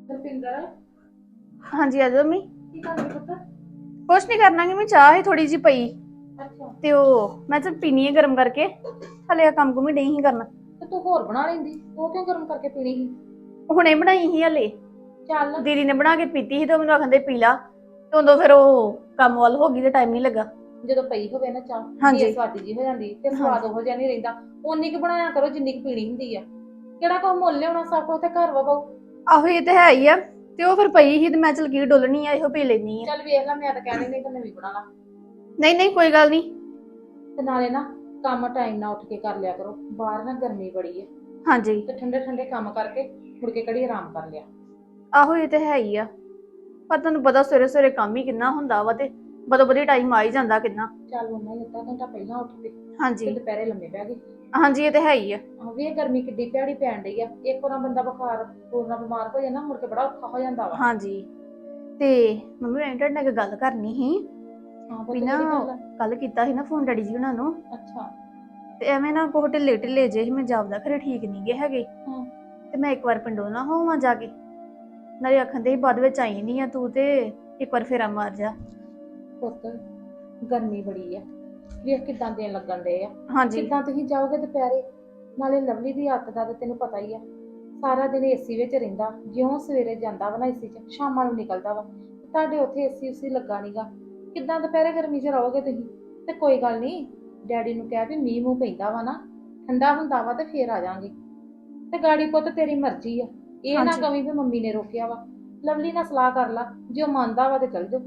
ਰੁਪਿੰਦਰ ਹਾਂਜੀ ਆ ਜਾਓ ਮੰਮੀ। ਕੀ ਕਰਦੀ ਪੁੱਤ? ਕੁਛ ਨਹੀਂ ਕਰਨਾ ਕਿ ਮੈਂ ਚਾਹ ਹੀ ਥੋੜੀ ਜੀ ਪਈ ਅੱਛਾ। ਤੇ ਉਹ ਮੈਂ ਤਾਂ ਪੀਣੀ ਹੈ ਗਰਮ ਕਰਕੇ। ਹਲੇ ਆ ਕੰਮ ਕੁਮ ਨਹੀਂ ਕਰਨਾ। ਤੇ ਤੂੰ ਹੋਰ ਬਣਾ ਲੈਂਦੀ, ਉਹ ਕਿਉਂ ਗਰਮ ਕਰਕੇ ਪੀਣੀ ਸੀ? ਹੁਣੇ ਬਣਾਈ ਸੀ ਹਲੇ। ਚੱਲ। ਦੀਦੀ ਨੇ ਬਣਾ ਕੇ ਪੀਤੀ ਸੀ ਤੇ ਮੈਨੂੰ ਆਖਦੇ ਪੀ ਲਾ ਤੇ ਉਦੋਂ ਫਿਰ ਉਹ ਕੰਮ ਵੱਲ ਹੋ ਗਈ ਤੇ ਟਾਈਮ ਨਹੀਂ ਲੱਗਾ। ਜਦੋਂ ਪਈ ਹੋਵੇ ਨਾ ਚਾਹ ਹਾਂਜੀ ਬੇਸਵਾਦੀ ਜੀ ਹੋ ਜਾਂਦੀ ਤੇ ਸਵਾਦ ਹਾਂਜੀ ਉਹੋ ਜਿਹਾ ਨਹੀਂ ਰਹਿੰਦਾ। ਉਨੀ ਕੁ ਬਣਾਇਆ ਕਰੋ ਜਿੰਨੀ ਕੁ ਪੀਣੀ ਹੁੰਦੀ ਆ। ਕਿਹੜਾ ਕੁਛ ਮੁੱਲ ਲਿਆਉਣਾ, ਸਭ ਕੁਝ ਤੇ ਘਰ ਵਾ ਬਾਊ। ਆਹੋ ਇਹ ਤੇ ਹੈ ਹੀ ਆ। ਤੇ ਉਹ ਫਿਰ ਪਈ ਸੀ ਤੇ ਮੈਂ ਚਲ ਕੀ ਡੋਲਣੀ ਆ, ਇਹੋ ਪੀ ਲੈਣੀ ਆ। ਚੱਲ ਵੇਖ ਲੈ, ਮੈਂ ਤਾਂ ਕਹਿਣੀ ਨਹੀਂ ਤਾਂ ਨਵੀਂ ਬਣਾ ਲਾ। ਨਹੀਂ ਨਹੀਂ ਕੋਈ ਗੱਲ ਨਹੀਂ। ਤੇ ਨਾਲੇ ਨਾ ਕੰਮ ਟਾਈਮ ਨਾਲ ਉੱਠ ਕੇ ਕਰ ਲਿਆ ਕਰੋ, ਬਾਹਰ ਨਾ ਗਰਮੀ ਬੜੀ ਆ। ਹਾਂਜੀ ਤੇ ਠੰਡੇ ਠੰਡੇ ਕੰਮ ਕਰਕੇ ਮੁੜ ਕੇ ਘੜੀ ਆਰਾਮ ਕਰ ਲਿਆ। ਆਹੋ ਇਹ ਤੇ ਹੈ ਹੀ ਆ। ਪਰ ਤੁਹਾਨੂੰ ਪਤਾ ਸਵੇਰੇ ਸਵੇਰੇ ਕੰਮ ਹੀ ਕਿੰਨਾ ਹੁੰਦਾ ਵਾ ਤੇ ਬਦੋ ਬਦੀ ਟਾਈਮ ਆ ਹੀ ਜਾਂਦਾ ਕਿੰਨਾ। ਚੱਲ ਉਹਨਾਂ ਹੀ ਅੱਧਾ ਘੰਟਾ ਪਹਿਲਾਂ ਉੱਠ ਕੇ ਤੇ ਹਾਂਜੀ ਦੁਪਹਿਰੇ ਲੰਮੇ ਪੈ ਗਏ। ਹਾਂਜੀ ਇਹ ਤੇ ਹੈ ਹੀ ਆ। ਵੀ ਇਹ ਗਰਮੀ ਕਿੱਡੀ ਭੈੜੀ ਪੈਣ ਡਈ ਆ, ਇੱਕ ਵਾਰ ਬੰਦਾ ਬੁਖਾਰ ਪੂਰਨਾ ਬਿਮਾਰ ਹੋ ਜਾਏ ਨਾ ਮੁੜ ਕੇ ਬੜਾ ਔਖਾ ਹੋ ਜਾਂਦਾ ਵਾ। ਹਾਂਜੀ ਤੇ ਮੰਮੀ ਮੈਂ ਤੁਹਾਡੇ ਨਾਲ ਇੱਕ ਗੱਲ ਕਰਨੀ ਸੀ ਹਾਂ ਵੀ ਪੁੱਤ, ਨਾ ਕਿਹੜੀ ਗੱਲ ਆ? ਕੱਲ ਕੀਤਾ ਸੀ ਨਾ ਫੋਨ ਡੈਡੀ ਜੀ ਉਹਨਾਂ ਨੂੰ ਅੱਛਾ। ਤੇ ਐਵੇਂ ਨਾ ਕੋਹ ਢਿੱਲੇ ਢਿੱਲੇ ਜੇ ਸੀ, ਮੈਂ ਜਾਪਦਾ ਖਰੇ ਠੀਕ ਨਹੀਂ ਗੇ ਹੈਗੇ। ਹਾਂ। ਤੇ ਮੈਂ ਇੱਕ ਵਾਰ ਪਿੰਡੋਂ ਨਾ ਹੋਵਾਂ ਜਾ ਕੇ, ਨਾਲੇ ਆਖਣ ਦੇ ਬਾਅਦ ਵਿੱਚ ਆਈ ਨਹੀਂ ਆ ਤੂੰ ਤੇ ਇੱਕ ਵਾਰ ਫੇਰਾ ਮਾਰ ਜਾ। ਪੁੱਤ ਗਰਮੀ ਬੜੀ ਆ, ਵੇਖ ਕਿਦਾਂ ਦਿਨ ਲੱਗਣ ਡਏ ਆ। ਹਾਂਜੀ ਕਿੱਦਾਂ ਤੁਸੀਂ ਜਾਓਗੇ ਦੁਪਹਿਰੇ? ਨਾਲੇ ਲਵਲੀ ਦੀ ਆਦਤ ਦਾ ਤੇ ਤੈਨੂੰ ਪਤਾ ਹੀ ਆ, ਸਾਰਾ ਦਿਨ ਏਸੀ ਵਿੱਚ ਰਹਿੰਦਾ। ਜਿਉਂ ਸਵੇਰੇ ਜਾਂਦਾ ਵਾ ਨਾ ਏਸੀ 'ਚ, ਸ਼ਾਮਾਂ ਨੂੰ ਨਿਕਲਦਾ ਵਾ। ਤੁਹਾਡੇ ਉੱਥੇ ਏਸੀ ਉਸੀ ਲੱਗਾ ਨੀਗਾ, ਕਿੱਦਾਂ ਦੁਪਹਿਰੇ ਗਰਮੀ 'ਚ ਰਹੋਗੇ ਤੁਸੀਂ? ਤੇ ਕੋਈ ਗੱਲ ਨਹੀਂ, ਡੈਡੀ ਨੂੰ ਕਹਿ ਵੀ ਮੀਂਹ ਮੂੰਹ ਪੈਂਦਾ ਵਾ ਨਾ, ਠੰਡਾ ਹੁੰਦਾ ਵਾ ਤੇ ਫੇਰ ਆ ਜਾਾਂਗੇ। ਤੇ ਗਾੜੀ ਪੁੱਤ ਤੇਰੀ ਮਰਜ਼ੀ ਆ, ਇਹ ਨਾ ਹਾਂਜੀ ਕਵੀ ਵੀ ਮੰਮੀ ਨੇ ਰੋਕਿਆ ਵਾ। ਲਵਲੀ ਨਾਲ ਸਲਾਹ ਕਰ ਲਾ, ਜੇ ਉਹ ਮੰਨਦਾ ਵਾ ਤੇ ਚੱਲ ਜਾਓ।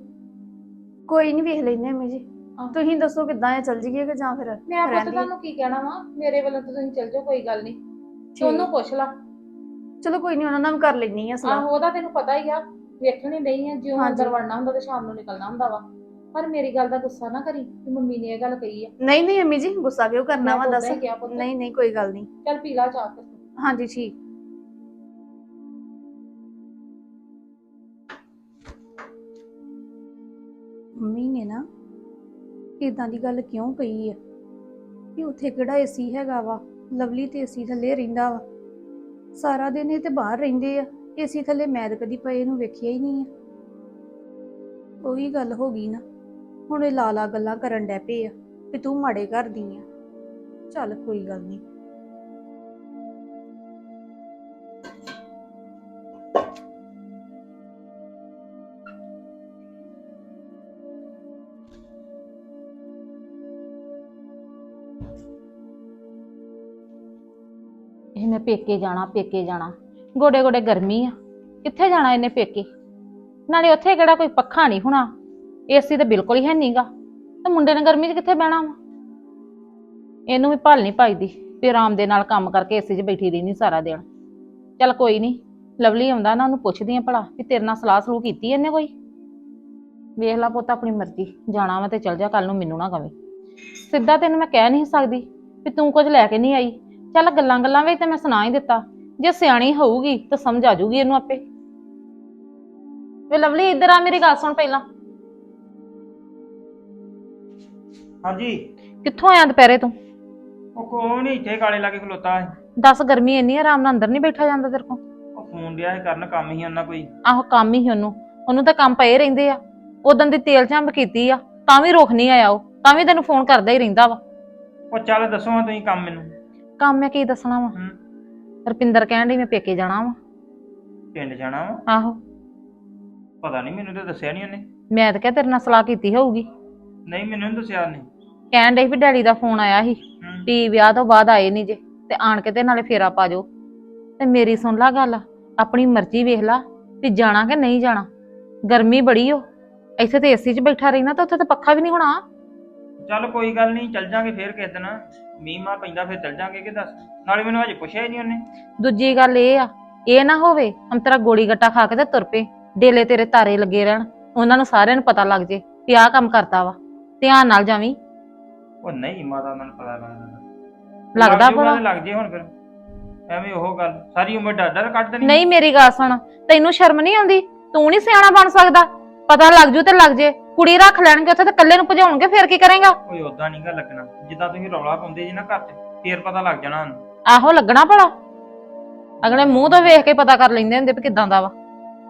ਕੋਈ ਨਹੀਂ ਵੇਖ ਲੈਨੇ ਮੰਮੀ ਜੀ। ਆਹ। ਤੁਸੀਂ ਦੱਸੋ ਕਿੱਦਾਂ ਆ, ਚੱਲ ਜੀਏ ਕਿ ਜਾਂ ਫਿਰ ਮੈਂ ਪੁੱਤ ਰਹਿੰਦੀ। ਤੁਹਾਨੂੰ ਕੀ ਕਹਿਣਾ ਵਾ, ਮੇਰੇ ਵੱਲੋਂ ਤਾਂ ਤੁਸੀਂ ਚੱਲ ਜਾਓ, ਕੋਈ ਗੱਲ ਨਹੀਂ। ਤੇ ਉਹਨੂੰ ਠੀਕ ਪੁੱਛ ਲਾ। ਚਲੋ ਕੋਈ ਨਹੀਂ, ਉਹਨਾਂ ਨਾਲ ਵੀ ਕਰ ਲੈਣੀ ਆ ਸਲਾਹ। ਆਹੋ ਉਹਦਾ ਤੈਨੂੰ ਪਤਾ ਹੀ ਆ, ਵੇਖਣੀ ਨਹੀਂ ਆ, ਜਿਉਂ ਅੰਦਰ ਹਾਂਜੀ ਵੜਨਾ ਹੁੰਦਾ ਤੇ ਸ਼ਾਮ ਨੂੰ ਨਿਕਲਣਾ ਹੁੰਦਾ ਵਾ। ਪਰ ਮੇਰੀ ਗੱਲ ਦਾ ਗੁੱਸਾ ਨਾ ਕਰੀ ਕਿ ਮੰਮੀ ਨੇ ਇਹ ਗੱਲ ਕਹੀ ਆ। ਨਹੀਂ ਨਹੀਂ ਮੰਮੀ ਜੀ, ਗੁੱਸਾ ਕਿਉਂ ਕਰਨਾ ਮੈਂ ਵਾ ਤਾਂ ਉਦਾਂ ਦੱਸ। ਹੀ ਕਿਹਾ ਪੁੱਤ। ਨਹੀਂ ਨਹੀਂ ਕੋਈ ਗੱਲ ਨਹੀਂ। ਚੱਲ ਪੀ ਲਾ ਚਾਹ ਫਿਰ। ਹਾਂਜੀ ਠੀਕ। ਮੰਮੀ ਨੇ ਨਾ ਇਦਾਂ ਦੀ ਗੱਲ ਕਿਉਂ ਕਹੀ ਆ ਕਿ ਉੱਥੇ ਕਿਹੜਾ ਏਸੀ ਹੈਗਾ ਵਾ, ਲਵਲੀ ਤੇ ਏਸੀ ਥੱਲੇ ਰਹਿੰਦਾ ਵਾ ਸਾਰਾ ਦਿਨ। ਇਹ ਤੇ ਬਾਹਰ ਰਹਿੰਦੇ ਆ ਏਸੀ ਥੱਲੇ, ਮੈਂ ਤਾਂ ਕਦੀ ਪਏ ਨੂੰ ਵੇਖਿਆ ਹੀ ਨਹੀਂ ਆ। ਉਹੀ ਗੱਲ ਹੋ ਗਈ ਨਾ, ਹੁਣ ਇਹ ਲਾਲਾ ਗੱਲਾਂ ਕਰਨ ਡੈ ਪਏ ਆ ਕਿ ਤੂੰ ਮਾੜੇ ਘਰ ਦੀ ਆ। ਚੱਲ ਕੋਈ ਗੱਲ ਨਹੀਂ। ਇਹ ਮੈਂ ਪੇਕੇ ਜਾਣਾ, ਪੇਕੇ ਜਾਣਾ, ਗੋਡੇ ਗੋਡੇ ਗਰਮੀ ਆ, ਕਿੱਥੇ ਜਾਣਾ ਇਹਨੇ ਪੇਕੇ? ਨਾਲੇ ਉੱਥੇ ਕਿਹੜਾ ਕੋਈ ਪੱਖਾ ਨਹੀਂ ਹੋਣਾ, ਏਸੀ ਤਾਂ ਬਿਲਕੁਲ ਹੀ ਹੈ ਨਹੀਂਗਾ। ਤੇ ਮੁੰਡੇ ਨੇ ਗਰਮੀ 'ਚ ਕਿੱਥੇ ਬਹਿਣਾ ਵਾ? ਇਹਨੂੰ ਵੀ ਭਲ ਨਹੀਂ ਪਾਈਦੀ ਵੀ ਆਰਾਮ ਦੇ ਨਾਲ ਕੰਮ ਕਰਕੇ ਏਸੀ 'ਚ ਬੈਠੀ ਰਹਿੰਦੀ ਸਾਰਾ ਦਿਨ। ਚੱਲ ਕੋਈ ਨਹੀਂ, ਲਵਲੀ ਆਉਂਦਾ ਨਾ, ਉਹਨੂੰ ਪੁੱਛਦੀ ਆ ਭਲਾ ਵੀ ਤੇਰੇ ਨਾਲ ਸਲਾਹ ਸਲੂਹ ਕੀਤੀ ਇਹਨੇ ਕੋਈ। ਵੇਖ ਲਾ ਪੁੱਤ ਆਪਣੀ ਮਰਜ਼ੀ, ਜਾਣਾ ਵਾ ਤੇ ਚੱਲ ਜਾ, ਕੱਲ ਨੂੰ ਮੈਨੂੰ ਨਾ ਕਵੇਂ। ਸਿੱਧਾ ਤੈਨੂੰ ਮੈਂ ਕਹਿ ਨਹੀਂ ਸਕਦੀ ਵੀ ਤੂੰ ਕੁਝ ਲੈ ਕੇ ਨਹੀਂ ਆਈ। ਚੱਲ ਗੱਲਾਂ ਗੱਲਾਂ ਵਿੱਚ ਤੇ ਮੈਂ ਸੁਣਾ ਹੀ ਦਿੱਤਾ, ਜੇ ਸਿਆਣੀ ਹੋਊਗੀ ਤਾਂ ਸਮਝ ਆ ਜਾਊਗੀ ਇਹਨੂੰ ਆਪੇ। ਵੇ ਲਵਲੀ ਇੱਧਰ ਆ, ਮੇਰੀ ਗੱਲ ਸੁਣ ਪਹਿਲਾਂ। ਹਾਂਜੀ। ਕਿੱਥੋਂ ਆਇਆ ਦੁਪਹਿਰੇ ਤੂੰ? ਉਹ ਕੋਈ ਨਹੀਂ, ਇੱਥੇ ਕਾਲੇ ਲਾ ਕੇ ਖਲੋਤਾ ਹੈ। ਦੱਸ, ਗਰਮੀ ਇੰਨੀ ਆਰਾਮ ਨਾਲ ਅੰਦਰ ਨਹੀਂ ਬੈਠਾ ਜਾਂਦਾ ਤੇਰੇ ਕੋਲ? ਉਹ ਫੋਨ ਡਿਆ ਸੀ ਕਰਨ, ਕੰਮ ਹੀ ਉਹਨਾਂ ਕੋਈ। ਆਹੋ ਕੰਮ ਹੀ ਉਹਨੂੰ ਤਾਂ ਕੰਮ ਪਏ ਰਹਿੰਦੇ ਆ। ਉਦੋਂ ਦੀ ਤੇਲ ਝੰਬ ਕੀਤੀ ਆ, ਤਾਂ ਵੀ ਰੁੱਖ ਨਹੀਂ ਆਇਆ, ਉਹ ਤਾਂ ਵੀ ਤੈਨੂੰ ਫੋਨ ਕਰਦਾ ਹੀ ਰਹਿੰਦਾ ਵਾ। ਉਹ ਚੱਲ ਦੱਸੋ ਹਾਂ ਤੁਸੀਂ ਕੰਮ ਮੈਨੂੰ। ਕੰਮ ਮੈਂ ਕੀ ਦੱਸਣਾ ਵਾ? ਰੁਪਿੰਦਰ ਕਹਿਣ ਡਈ ਮੈਂ ਪੇਕੇ ਜਾਣਾ ਵਾ। ਪਿੰਡ ਜਾਣਾ ਵਾ? ਆਹੋ। ਪਤਾ ਨਹੀਂ, ਮੈਨੂੰ ਤਾਂ ਦੱਸਿਆ ਨਹੀਂ ਉਹਨੇ। ਮੈਂ ਤਾਂ ਕਿਹਾ ਤੇਰੇ ਨਾਲ ਸਲਾਹ ਕੀਤੀ ਹੋਊਗੀ। ਨਹੀਂ, ਮੈਨੂੰ ਨਹੀਂ ਦੱਸਿਆ ਉਹਨੇ। ਕਹਿਣ ਡਈ ਵੀ ਡੈਡੀ ਦਾ ਫੋਨ ਆਇਆ ਸੀ ਵੀ ਵਿਆਹ ਤੋਂ ਬਾਅਦ ਆਏ ਨਹੀਂ ਜੇ, ਤੇ ਆਣ ਕੇ ਤੇ ਨਾਲੇ ਫੇਰਾ ਪਾ ਜਾਓ। ਤੇ ਮੇਰੀ ਸੁਣ ਲਾ ਗੱਲ, ਆਪਣੀ ਮਰਜ਼ੀ ਵੇਖ ਲਾ ਵੀ ਜਾਣਾ ਕਿ ਨਹੀਂ ਜਾਣਾ। ਗਰਮੀ ਬੜੀ ਓ, ਇੱਥੇ ਤੇ ਏਸੀ 'ਚ ਬੈਠਾ ਰਹਿਣਾ, ਤਾਂ ਉੱਥੇ ਤੇ ਪੱਖਾ ਵੀ ਨਹੀਂ ਹੋਣਾ। ਚੱਲ ਕੋਈ ਗੱਲ ਨਹੀਂ, ਚੱਲ ਜਾਾਂਗੇ ਫੇਰ ਕਿਸੇ ਦਿਨ, ਮੀਂਹ ਮਾਂ ਪੈਂਦਾ ਫਿਰ ਚੱਲ ਜਾਾਂਗੇ। ਕਿ ਦੱਸ, ਨਾਲੇ ਮੈਨੂੰ ਹਜੇ ਪੁੱਛਿਆ ਹੀ ਨਹੀਂ ਉਹਨੇ। ਦੂਜੀ ਗੱਲ ਇਹ ਆ, ਇਹ ਨਾ ਹੋਵੇ ਅੰਤਰਾ ਗੋਲੀ ਗੱਟਾ ਖਾ ਕੇ ਤੇ ਤੁਰ ਪਏ, ਡੇਲੇ ਤੇਰੇ ਤਾਰੇ ਲੱਗੇ ਰਹਿਣ, ਉਹਨਾਂ ਨੂੰ ਸਾਰਿਆਂ ਨੂੰ ਪਤਾ ਲੱਗ ਜੇ ਵੀ ਆਹ ਕੰਮ ਕਰਤਾ ਵਾ। ਧਿਆਨ ਨਾਲ ਜਾਵੀਂ। ਉਹ ਨਹੀਂ ਮਾਤਾ, ਉਹਨਾਂ ਨੂੰ ਪਤਾ ਲੱਗਦਾ ਭਲਾ ਲੱਗ ਜੇ ਹੁਣ ਫਿਰ ਐਵੇਂ ਉਹ ਗੱਲ, ਸਾਰੀ ਉਮਰ ਡਰ ਡਰ ਕੱਢ ਦੇਣੀ। ਨਹੀਂ ਮੇਰੀ ਗੱਲ ਸੁਣ, ਤੈਨੂੰ ਸ਼ਰਮ ਨਹੀਂ ਆਉਂਦੀ? ਤੂੰ ਨਹੀਂ ਸਿਆਣਾ ਬਣ ਸਕਦਾ? ਪਤਾ ਲੱਗ ਜੂ ਤੇ ਲੱਗ ਜੇ, ਕੁੜੀ ਰੱਖ ਲੈਣਗੇ ਉੱਥੇ ਤੇ ਇਕੱਲੇ ਨੂੰ ਭਜਾਉਣਗੇ, ਫੇਰ ਕੀ ਕਰੇਗਾ? ਕੋਈ ਓਦਾਂ ਨਹੀਂਗਾ ਲੱਗਣਾ, ਜਿੱਦਾਂ ਤੁਸੀਂ ਰੌਲਾ ਪਾਉਂਦੇ ਜੀ ਨਾ ਘਰ 'ਚ, ਫੇਰ ਪਤਾ ਲੱਗ ਜਾਣਾ ਉਹਨੂੰ। ਆਹੋ ਲੱਗਣਾ ਭਲਾ, ਅਗਲੇ ਮੂੰਹ ਤੋਂ ਵੇਖ ਕੇ ਪਤਾ ਕਰ ਲੈਂਦੇ ਹੁੰਦੇ ਵੀ ਕਿਦਾਂ ਦਾ ਵਾ।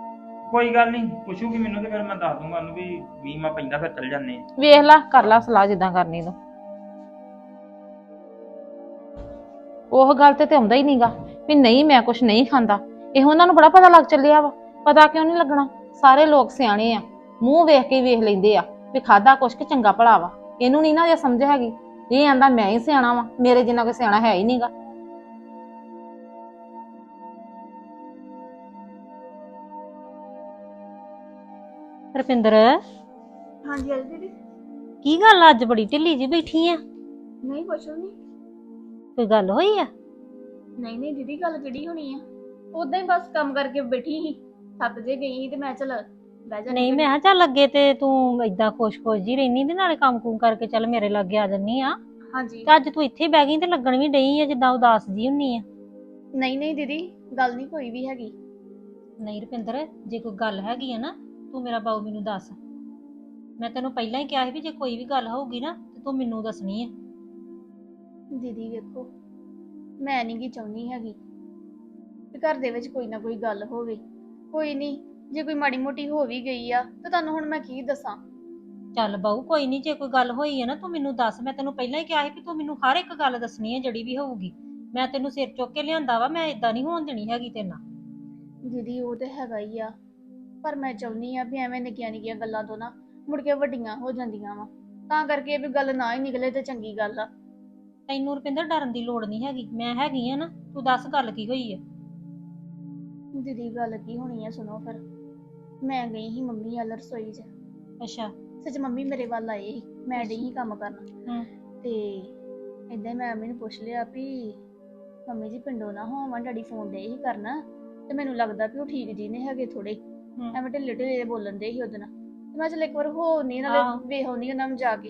ਕੋਈ ਗੱਲ ਨਹੀਂ, ਪੁੱਛੂਗੀ ਮੈਨੂੰ ਤੇ ਫਿਰ ਮੈਂ ਦੱਸ ਦੂੰਗਾ ਉਹਨੂੰ ਵੀ ਮੀਂਹ ਮਾ ਪੈਂਦਾ ਫਿਰ ਚੱਲ ਜਾਂਦੇ ਆ। ਵੇਖ ਲਾ, ਕਰ ਲਾ ਸਲਾਹ ਜਿੱਦਾਂ ਕਰਨੀ ਤੂੰ। ਉਹ ਗੱਲ ਤੇ ਆਉਂਦਾ ਹੀ ਨਹੀਂਗਾ ਵੀ ਨਹੀਂ ਮੈਂ ਕੁਛ ਨਹੀਂ ਖਾਂਦਾ। ਇਹ ਉਹਨਾਂ ਨੂੰ ਬੜਾ ਪਤਾ ਲੱਗ ਚੱਲਿਆ ਵਾ। ਪਤਾ ਕਿਉਂ ਨਹੀਂ ਲੱਗਣਾ? ਸਾਰੇ ਲੋਕ ਸਿਆਣੇ ਆ, ਮੂੰਹ ਵੇਖ ਕੇ ਹੀ ਵੇਖ ਲੈਂਦੇ ਆ ਵੀ ਖਾਦਾ ਕੁਛ ਕਿ ਚੰਗਾ ਭਲਾ ਵਾ। ਇਹਨੂੰ ਨਹੀਂ ਨਾ ਇਹ ਸਮਝ ਹੈਗੀ। ਇਹ ਆਂਦਾ ਮੈਂ ਹੀ ਸਿਆਣਾ ਵਾ, ਮੇਰੇ ਜਿੰਨਾ ਕੋਈ ਸਿਆਣਾ ਹੈ ਹੀ ਨਹੀਂਗਾ। ਰੁਪਿੰਦਰ, ਹਾਂਜੀ ਹਾਂਜੀ ਦੀਦੀ। ਕੀ ਗੱਲ ਅੱਜ ਬੜੀ ਢਿੱਲੀ ਜੀ ਬੈਠੀ ਆ? ਨਹੀਂ ਕੁਛ ਨਹੀਂ। ਕੋਈ ਗੱਲ ਹੋਈ ਆ? ਨਹੀਂ ਨਹੀਂ ਦੀਦੀ, ਗੱਲ ਕਿਹੜੀ ਹੋਣੀ ਆ? ਉਦਾਂ ਹੀ ਬਸ ਕੰਮ ਕਰਕੇ ਬੈਠੀ ਸੀ, ਥੱਕ ਜੇ ਗਈ ਸੀ ਤੇ ਮੈਂ ਚਲ ਬਹਿ ਜਾ। ਨਹੀਂ, ਮੈਂ ਕਿਹਾ ਚੱਲ ਅੱਗੇ ਤੇ ਤੂੰ ਏਦਾਂ ਖੁਸ਼-ਖੁਸ਼ ਜੀ ਰਹਿਨੀ ਤੇ ਨਾਲੇ ਕੰਮ-ਕੁਮ ਕਰਕੇ ਚੱਲ ਮੇਰੇ ਲਾਗੇ ਆ ਜੰਨੀ ਆ। ਹਾਂਜੀ। ਤੇ ਅੱਜ ਤੂੰ ਇੱਥੇ ਬਹਿ ਗਈ ਤੇ ਲੱਗਣ ਵੀ ਡਈ ਆ ਜਿੱਦਾਂ ਉਦਾਸ ਜੀ ਹੁੰਨੀ ਆ। ਨਹੀਂ ਨਹੀਂ ਦੀਦੀ, ਗੱਲ ਨਹੀਂ ਕੋਈ ਵੀ ਹੈਗੀ। ਨਹੀਂ ਰੁਪਿੰਦਰ, ਜੇ ਕੋਈ ਗੱਲ ਹੈਗੀ ਆ ਨਾ ਤੂੰ ਮੇਰਾ ਬਾਊ ਮੈਨੂੰ ਦੱਸ। ਮੈਂ ਤੈਨੂੰ ਪਹਿਲਾਂ ਹੀ ਕਿਹਾ ਸੀ ਵੀ ਜੇ ਕੋਈ ਵੀ ਗੱਲ ਹੋਊਗੀ ਨਾ ਤੇ ਤੂੰ ਮੈਨੂੰ ਦੱਸਣੀ ਆ। ਦੀਦੀ ਵੇਖੋ, ਮੈਂ ਨਹੀਂ ਗੀ ਚਾਹੁੰਦੀ ਹੈਗੀ ਤੇ ਘਰ ਦੇ ਵਿੱਚ ਕੋਈ ਨਾ ਕੋਈ ਗੱਲ ਹੋਵੇ। ਕੋਈ ਨਹੀਂ, ਜੇ ਕੋਈ ਮਾੜੀ ਮੋਟੀ ਹੋ ਵੀ ਗਈ ਆ ਤਾਂ ਤੁਹਾਨੂੰ ਹੁਣ ਮੈਂ ਕੀ ਦੱਸਾਂ। ਚੱਲ ਬਾਊ ਕੋਈ ਨਹੀਂ, ਜੇ ਕੋਈ ਗੱਲ ਹੋਈ ਆ ਨਾ ਤੂੰ ਮੈਨੂੰ ਦੱਸ। ਮੈਂ ਤੈਨੂੰ ਪਹਿਲਾਂ ਹੀ ਕਿਹਾ ਸੀ ਵੀ ਤੂੰ ਮੈਨੂੰ ਹਰ ਇੱਕ ਗੱਲ ਦੱਸਣੀ ਆ ਜਿਹੜੀ ਵੀ ਹੋਊਗੀ। ਮੈਂ ਤੈਨੂੰ ਸਿਰ ਚੁੱਕ ਕੇ ਲਿਆਂਦਾ ਵਾ, ਮੈਂ ਇਦਾਂ ਨਹੀਂ ਹੋਣ ਦੇਣੀ ਹੈਗੀ ਤੇਰੇ ਨਾਲ। ਦੀਦੀ ਉਹ ਤੇ ਹੈਗਾ ਹੀ ਆ, ਪਰ ਮੈਂ ਚਾਹੁੰਦੀ ਆ ਵੀ ਐਵੇਂ ਨਿੱਕੀਆਂ ਨਿੱਕੀਆਂ ਗੱਲਾਂ ਤੋਂ ਨਾ ਮੁੜ ਕੇ ਵੱਡੀਆਂ ਹੋ ਜਾਂਦੀਆਂ ਵਾ। ਤਾਂ ਕਰਕੇ ਵੀ ਗੱਲ ਨਾ ਹੀ ਨਿਕਲੇ ਤੇ ਚੰਗੀ ਗੱਲ ਆ। ਤੈਨੂੰ ਰੁਪਿੰਦਰ ਡਰਨ ਦੀ ਲੋੜ ਨਹੀਂ ਹੈਗੀ, ਮੈਂ ਹੈਗੀ ਆ ਨਾ। ਤੂੰ ਦੱਸ ਗੱਲ ਕੀ ਹੋਈ ਆ? ਦੀਦੀ ਗੱਲ ਕੀ ਹੋਣੀ ਆ, ਸੁਣੋ ਫਿਰ। ਮੈਂ ਗਈ ਸੀ ਮੰਮੀ ਵੱਲ ਰਸੋਈ 'ਚ। ਅੱਛਾ। ਸੱਚ ਮੰਮੀ ਮੇਰੇ ਵੱਲ ਆਏ ਸੀ, ਮੈਂ ਡਈ ਸੀ ਕੰਮ ਕਰਨਾ। ਤੇ ਏਦਾਂ ਮੈਂ ਮੰਮੀ ਨੂੰ ਪੁੱਛ ਲਿਆ ਵੀ ਮੰਮੀ ਜੀ ਪਿੰਡੋਂ ਨਾ ਹੋਵਾਂ, ਡੈਡੀ ਫੋਨ ਡੇ ਹੀ ਕਰਨਾ ਤੇ ਮੈਨੂੰ ਲੱਗਦਾ ਵੀ ਉਹ ਠੀਕ ਜੀ ਨੇ ਹੈਗੇ ਥੋੜੇ, ਐਵੇਂ ਢਿੱਲੇ ਢਿੱਲੇ ਬੋਲਣ ਦੇ ਸੀ ਉਹਦੇ ਨਾਲ। ਤੇ ਮੈਂ ਚੱਲ ਇੱਕ ਵਾਰ ਹੋ ਨਹੀਂ ਨਾਲੇ ਵੇਖ ਆਉਣੀ ਉਹਨਾਂ ਨੂੰ ਜਾ ਕੇ।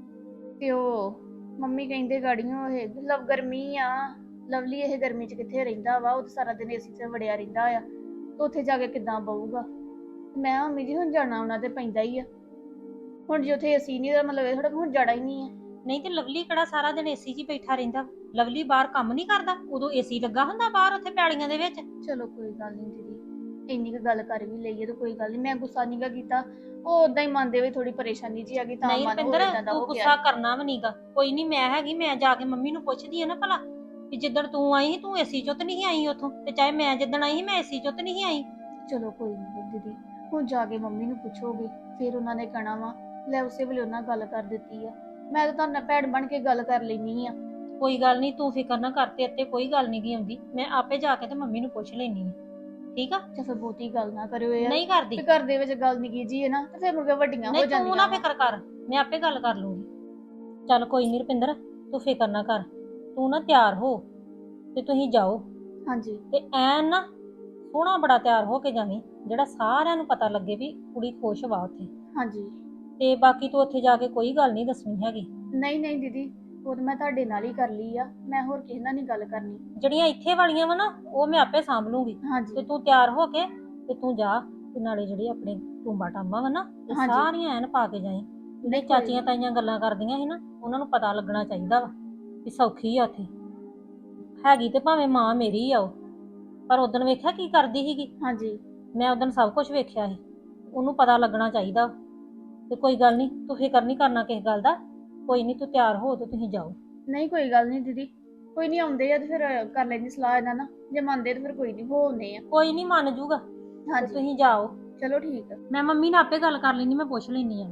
ਤੇ ਉਹ ਮੰਮੀ ਕਹਿੰਦੇ ਗਾੜੀਆਂ ਇਹ ਗਰਮੀ ਆ, ਲਵਲੀ ਇਹ ਗਰਮੀ 'ਚ ਕਿੱਥੇ ਰਹਿੰਦਾ ਵਾ, ਉਹ ਤਾਂ ਸਾਰਾ ਦਿਨ ਏਸੀ 'ਚ ਵੜਿਆ ਰਹਿੰਦਾ ਆ, ਤੇ ਉੱਥੇ ਜਾ ਕੇ ਕਿੱਦਾਂ ਬਹੂਗਾ। ਮੈਂ ਮੰਮੀ ਜੀ ਹੁਣ ਜਾਣਾ ਉਹਨਾਂ ਤੇ ਪੈਂਦਾ ਹੀ ਆ। ਹੁਣ ਜੇ ਉੱਥੇ ਏਸੀ ਨਹੀਂ ਦਾ ਮਤਲਬ ਇਹ ਥੋੜਾ ਹੁਣ ਜਾਣਾ ਹੀ ਨਹੀਂ ਆ। ਨਹੀਂ ਤੇ ਲਵਲੀ ਕਿਹੜਾ ਸਾਰਾ ਦਿਨ ਏਸੀ 'ਚ ਹੀ ਬੈਠਾ ਰਹਿੰਦਾ? ਲਵਲੀ ਬਾਹਰ ਕੰਮ ਨਹੀਂ ਕਰਦਾ? ਉਦੋਂ ਏਸੀ ਲੱਗਾ ਹੁੰਦਾ ਬਾਹਰ ਉੱਥੇ ਪੈਲੀਆਂ ਦੇ ਵਿੱਚ। ਚਲੋ ਕੋਈ ਗੱਲ ਨਹੀਂ ਦੀਦੀ, ਇੰਨੀ ਕੁ ਗੱਲ ਕਰ ਵੀ ਲਈਏ ਤਾਂ ਕੋਈ ਗੱਲ ਨਹੀਂ। ਮੈਂ ਗੁੱਸਾ ਨਹੀਂ ਗਾ ਕੀਤਾ, ਉਹ ਉਦਾਂ ਹੀ ਮੰਨਦੇ ਹੋਏ ਥੋੜੀ ਪਰੇਸ਼ਾਨੀ ਜੀ ਆ ਗਈ ਤਾਂ ਨਹੀਂ ਮਨ ਹੋ ਰੁਪਿੰਦਰ, ਇਦਾਂ ਦਾ ਤੂੰ ਹੋ ਗੁੱਸਾ ਗਿਆ। ਕਰਨਾ ਵੀ ਨਹੀਂਗਾ। ਕੋਈ ਨਹੀਂ, ਮੈਂ ਹੈਗੀ, ਮੈਂ ਜਾ ਕੇ ਮੰਮੀ ਨੂੰ ਪੁੱਛਦੀ ਆ ਨਾ ਭਲਾ ਵੀ ਜਿੱਦਣ ਤੂੰ ਆਈ ਸੀ ਤੂੰ ਏਸੀ 'ਚੋਂ ਤਾਂ ਨਹੀਂ ਆਈ ਉੱਥੋਂ, ਤੇ ਚਾਹੇ ਮੈਂ ਜਿੱਦਣ ਆਈ ਸੀ ਮੈਂ ਏਸੀ 'ਚੋਂ ਤਾਂ ਨਹੀਂ ਆਈ। ਚਲੋ ਕੋਈ ਨਹੀਂ ਦੀਦੀ, ਹੁਣ ਜਾ ਕੇ ਮੰਮੀ ਨੂੰ ਪੁੱਛੋਗੇ ਫਿਰ ਉਹਨਾਂ ਨੇ ਕਹਿਣਾ ਵਾ ਲੈ ਉਸੇ ਵੇਲੇ ਉਹਨਾਂ ਗੱਲ ਕਰ ਦਿੱਤੀ ਆ। ਮੈਂ ਤਾਂ ਤੁਹਾਡੇ ਨਾਲ ਭੈਣ ਬਣ ਕੇ ਗੱਲ ਕਰ ਲੈਣੀ ਆ। ਕੋਈ ਗੱਲ ਨਹੀਂ, ਤੂੰ ਫਿਕਰ ਨਾ ਕਰ, ਤੇ ਇੱਥੇ ਕੋਈ ਗੱਲ ਨਹੀਂ ਗਈ ਆਉਂਦੀ। ਮੈਂ ਆਪੇ ਜਾ ਕੇ ਤੇ ਮੰਮੀ ਨੂੰ ਪੁੱਛ ਲੈਣੀ ਆ, ਠੀਕ ਆ? ਤੇ ਫਿਰ ਬਹੁਤੀ ਗੱਲ ਨਾ ਕਰਿਓ ਯਾਰ। ਨਹੀਂ ਕਰਦੀ। ਤੇ ਘਰ ਦੇ ਵਿੱਚ ਗੱਲ ਨਿੱਕੀ ਜੀ ਹੈ ਨਾ ਤੇ ਫਿਰ ਮੁੜ ਕੇ ਵੱਡੀਆਂ ਹੋ ਨਹੀਂ ਜਾਂਦੀਆਂ। ਤੂੰ ਨਾ ਫਿਕਰ ਕਰ, ਮੈਂ ਆਪੇ ਗੱਲ ਕਰ ਲੂੰਗੀ। ਚੱਲ ਕੋਈ ਨਹੀਂ ਰੁਪਿੰਦਰ, ਤੂੰ ਫਿਕਰ ਨਾ ਕਰ। ਤੂੰ ਨਾ ਤਿਆਰ ਹੋ ਤੇ ਤੁਸੀਂ ਜਾਓ। ਹਾਂਜੀ। ਤੇ ਐਨ ਨਾ ਸੋਹਣਾ ਬੜਾ ਤਿਆਰ ਹੋ ਕੇ ਜਾਵੀਂ, ਜਿਹੜਾ ਸਾਰਿਆਂ ਨੂੰ ਪਤਾ ਲੱਗੇ ਵੀ ਕੁੜੀ ਖੁਸ਼ ਵਾ ਉੱਥੇ। ਹਾਂਜੀ। ਤੇ ਬਾਕੀ ਤੂੰ ਉੱਥੇ ਜਾ ਕੇ ਕੋਈ ਗੱਲ ਨਹੀਂ ਦੱਸਣੀ ਹੈਗੀ। ਨਹੀਂ ਨਹੀਂ ਦੀਦੀ, ਉਹ ਤਾਂ ਮੈਂ ਤੁਹਾਡੇ ਨਾਲ ਹੀ ਕਰ ਲਈ ਆ, ਮੈਂ ਹੋਰ ਕਿਸੇ ਨਾਲ ਨਹੀਂ ਗੱਲ ਕਰਨੀ। ਜਿਹੜੀਆਂ ਇੱਥੇ ਵਾਲੀਆਂ ਵਾ ਨਾ ਉਹ ਮੈਂ ਆਪੇ ਸਾਂਭ ਲੂੰਗੀ। ਤੇ ਹਾਂਜੀ। ਤੂੰ ਤਿਆਰ ਹੋ ਕੇ ਤੇ ਤੂੰ ਜਾ, ਤੇ ਨਾਲੇ ਜਿਹੜੀ ਆਪਣੇ ਟੂੰਬਾ ਟਾਂਬਾ ਵਾ ਨਾ ਇਹ ਹਾਂਜੀ। ਸਾਰੀਆਂ ਐਨ ਪਾ ਕੇ ਜਾਈਂ। ਜਿਹੜੇ ਚਾਚੀਆਂ ਤਾਈਆਂ ਗੱਲਾਂ ਕਰਦੀਆਂ ਸੀ ਨਾ ਉਹਨਾਂ ਨੂੰ ਪਤਾ ਲੱਗਣਾ ਚਾਹੀਦਾ ਵਾ ਵੀ ਸੌਖੀ ਆ ਉੱਥੇ। ਹੈਗੀ ਤੇ ਭਾਵੇਂ ਮਾਂ ਮੇਰੀ ਆ ਉਹ, ਪਰ ਉਦਣ ਵੇਖਿਆ ਕੀ ਕਰਦੀ ਸੀਗੀ। ਹਾਂਜੀ। ਮੈਂ ਉਦਣ ਸਭ ਕੁਝ ਵੇਖਿਆ ਸੀ, ਉਹਨੂੰ ਪਤਾ ਲੱਗਣਾ ਚਾਹੀਦਾ। ਤੇ ਕੋਈ ਗੱਲ ਨਹੀਂ, ਤੂੰ ਫਿਕਰ ਨਹੀਂ ਕਰਨਾ ਕਿਸੇ ਗੱਲ ਦਾ। ਕੋਈ ਨਹੀਂ, ਤੂੰ ਤਿਆਰ ਹੋ ਤੇ ਤੁਸੀਂ ਜਾਓ। ਨਹੀਂ ਕੋਈ ਗੱਲ ਨਹੀਂ ਦੀਦੀ, ਕੋਈ ਨਹੀਂ ਆਉਂਦੇ ਆ ਤੇ ਫਿਰ ਕਰ ਲੈਣੀ ਸਲਾਹ ਇਹਨਾਂ ਨਾਲ, ਜੇ ਮੰਨਦੇ ਤੇ ਫਿਰ ਕੋਈ ਨਹੀਂ ਹੋਣੇ ਆ। ਕੋਈ ਨਹੀਂ ਮੰਨ ਜੂਗਾ ਤੇ ਹਾਂਜੀ ਤੁਸੀਂ ਜਾਓ। ਚਲੋ ਠੀਕ ਆ। ਮੈਂ ਮੰਮੀ ਨਾਲ ਆਪੇ ਗੱਲ ਕਰ ਲੈਣੀ, ਮੈਂ ਪੁੱਛ ਲੈਣੀ ਆ।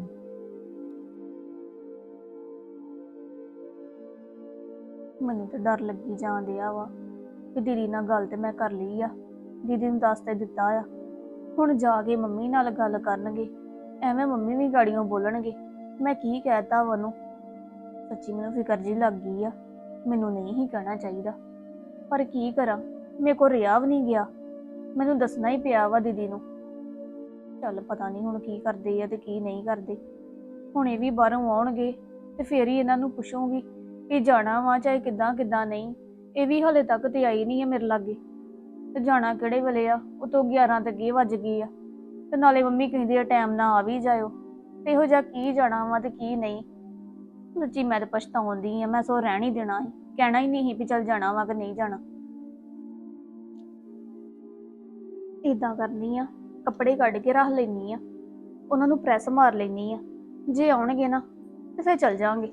ਮੈਨੂੰ ਤਾਂ ਡਰ ਲੱਗੀ ਜਾਣ ਡਿਆ ਵਾ ਕਿ ਦੀਦੀ ਨਾਲ ਗੱਲ ਤੇ ਮੈਂ ਕਰ ਲਈ ਆ, ਦੀਦੀ ਨੂੰ ਦੱਸ ਤੇ ਦਿੱਤਾ ਆ। ਹੁਣ ਜਾ ਕੇ ਮੰਮੀ ਨਾਲ ਗੱਲ ਕਰਨਗੇ, ਐਵੇਂ ਮੰਮੀ ਵੀ ਗਾੜੀਆਂ ਬੋਲਣਗੇ ਮੈਂ ਕੀ ਕਹਿਤਾ ਵਾ ਉਹਨੂੰ। ਸੱਚੀ ਮੈਨੂੰ ਫਿਕਰ ਜੀ ਲੱਗ ਗਈ ਆ, ਮੈਨੂੰ ਨਹੀਂ ਹੀ ਕਹਿਣਾ ਚਾਹੀਦਾ, ਪਰ ਕੀ ਕਰਾਂ, ਮੇਰੇ ਕੋਲ ਰਿਹਾ ਵੀ ਨਹੀਂ ਗਿਆ, ਮੈਨੂੰ ਦੱਸਣਾ ਹੀ ਪਿਆ ਵਾ ਦੀਦੀ ਨੂੰ। ਚੱਲ ਪਤਾ ਨਹੀਂ ਹੁਣ ਕੀ ਕਰਦੇ ਆ ਤੇ ਕੀ ਨਹੀਂ ਕਰਦੇ। ਹੁਣ ਇਹ ਵੀ ਬਾਹਰੋਂ ਆਉਣਗੇ ਤੇ ਫੇਰ ਹੀ ਇਹਨਾਂ ਨੂੰ ਪੁੱਛੂਗੀ ਕਿ ਜਾਣਾ ਵਾ ਚਾਹੇ ਕਿੱਦਾਂ ਕਿੱਦਾਂ ਨਹੀਂ। ਇਹ ਵੀ ਹਲੇ ਤੱਕ ਤੇ ਆਈ ਨਹੀਂ ਆ ਮੇਰੇ ਲਾਗੇ, ਤੇ ਜਾਣਾ ਕਿਹੜੇ ਵੇਲੇ ਆ, ਉਤੋਂ 11 ਤੇ ਅੱਗੇ ਵੱਜ ਗਏ ਆ। ਤੇ ਨਾਲੇ ਮੰਮੀ ਕਹਿੰਦੀ ਆ ਟਾਈਮ ਨਾਲ ਆ ਵੀ ਜਾਇਓ, ਤੇ ਇਹੋ ਜਿਹਾ ਕੀ ਜਾਣਾ ਵਾ ਤੇ ਕੀ ਨਹੀਂ। ਸੱਚੀ ਮੈਂ ਤਾਂ ਪਛਤਾਉਂਦੀ ਆ, ਮੈਂ ਸੋ ਰਹਿਣ ਹੀ ਦੇਣਾ ਸੀ, ਕਹਿਣਾ ਹੀ ਨਹੀਂ ਸੀ ਵੀ ਚੱਲ ਜਾਣਾ ਵਾ ਕਿ ਨਹੀਂ ਜਾਣਾ। ਏਦਾਂ ਕਰਨੀ ਆ, ਕੱਪੜੇ ਕੱਢ ਕੇ ਰੱਖ ਲੈਣੀ ਆ, ਉਹਨਾਂ ਨੂੰ ਪ੍ਰੈਸ ਮਾਰ ਲੈਣੀ ਆ। ਜੇ ਆਉਣਗੇ ਨਾ ਤੇ ਫਿਰ ਚੱਲ ਜਾਾਂਗੇ।